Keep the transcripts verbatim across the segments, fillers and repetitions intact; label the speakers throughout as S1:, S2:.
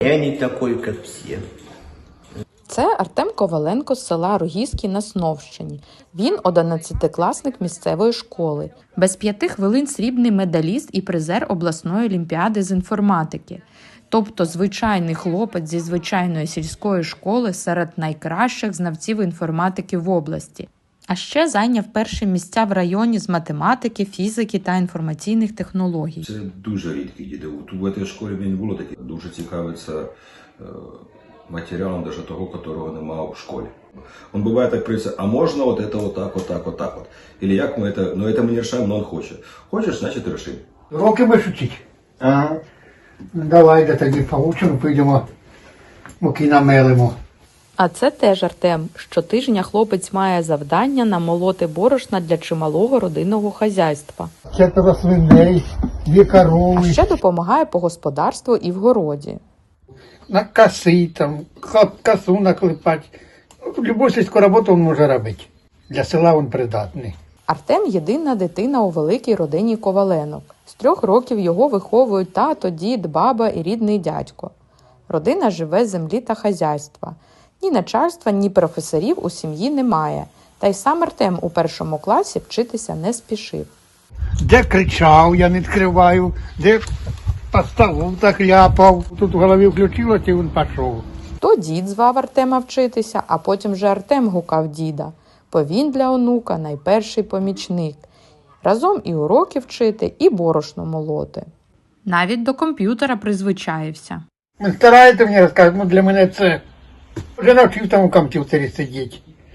S1: Я не такой, как все.
S2: Це Артем Коваленко з села Рогізки на Сновщині. Він одинадцятикласник місцевої школи. Без п'яти хвилин срібний медаліст і призер обласної олімпіади з інформатики. Тобто звичайний хлопець зі звичайної сільської школи серед найкращих знавців інформатики в області. А ще зайняв перші місця в районі з математики, фізики та інформаційних технологій.
S3: Це дуже рідкі діти. Тут в цій школі мені було таке. Дуже цікавиться е, матеріалом даже того, якого немає в школі. Он буває так прийде, а можна от це отак, отак, отак от. Или як ми це, ну це ми не рішаємо, но він хоче. Хочеш, значить ріши.
S4: Уроки будеш вчити? Ага. Ну, давай, де тоді поучимо, підемо, муки намелимо.
S2: А це теж Артем. Щотижня хлопець має завдання намолоти борошна для чималого родинного хазяйства.
S4: Четверо свиней, дві корови.
S2: А ще допомагає по господарству і в городі.
S4: На коси, там, косу наклепати. Ну, любу сільську роботу він може робити. Для села він придатний.
S2: Артем – єдина дитина у великій родині Коваленок. З трьох років його виховують тато, дід, баба і рідний дядько. Родина живе з землі та хазяйства. Ні начальства, ні професорів у сім'ї немає. Та й сам Артем у першому класі вчитися не спішив.
S4: Де кричав, я не відкриваю, де по столу так ляпав. Тут в голові включилося і він пішов.
S2: То дід звав Артема вчитися, а потім вже Артем гукав діда. Бо він для онука найперший помічник. Разом і уроки вчити, і борошно молоти. Навіть до комп'ютера призвичаївся.
S4: Він старається мені розказати, ну для мене це... Вже навчив там у комп'ютері сидіти.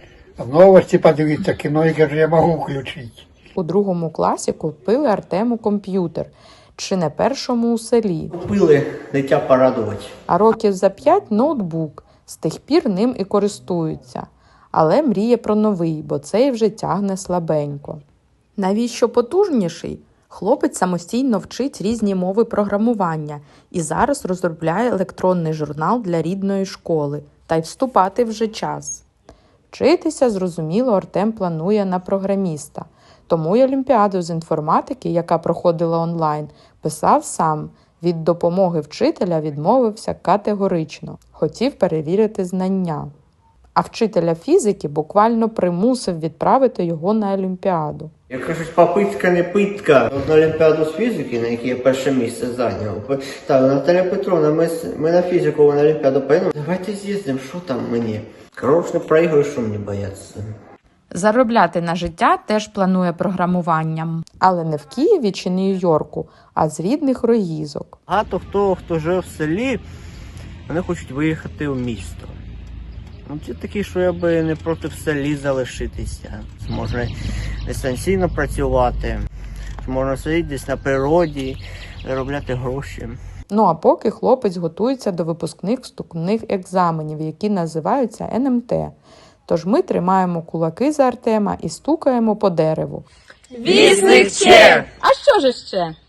S4: В новості подивитися, кіно, яке ж я можу включити.
S2: У другому класі купили Артему комп'ютер. Чи не першому у селі.
S1: Купили дитя порадувати.
S2: А років за п'ять – ноутбук. З тих пір ним і користуються. Але мріє про новий, бо цей вже тягне слабенько. Навіщо потужніший? Хлопець самостійно вчить різні мови програмування і зараз розробляє електронний журнал для рідної школи. Та й вступати вже час. Вчитися, зрозуміло, Артем планує на програміста. Тому й олімпіаду з інформатики, яка проходила онлайн, писав сам. Від допомоги вчителя відмовився категорично. Хотів перевірити знання. А вчителя фізики буквально примусив відправити його на олімпіаду.
S1: Як кажуть, попитка не питка. От на олімпіаду з фізики, на якій я перше місце зайняв. Так, Наталя Петровна, ми, ми на фізику на олімпіаду поїдемо. Давайте з'їздимо, що там мені? Коротше, не проіграю, що мені бояться.
S2: Заробляти на життя теж планує програмуванням. Але не в Києві чи Нью-Йорку, а з рідних Рогізок.
S1: Багато хто, хто живе в селі, вони хочуть виїхати в місто. Ну, ті такі, що я би не проти в селі залишитися. Можна дистанційно працювати, можна сидіти десь на природі, заробляти гроші.
S2: Ну а поки хлопець готується до випускних вступних екзаменів, які називаються ен ем те. Тож ми тримаємо кулаки за Артема і стукаємо по дереву.
S5: Вісник ще!
S2: А що ж ще?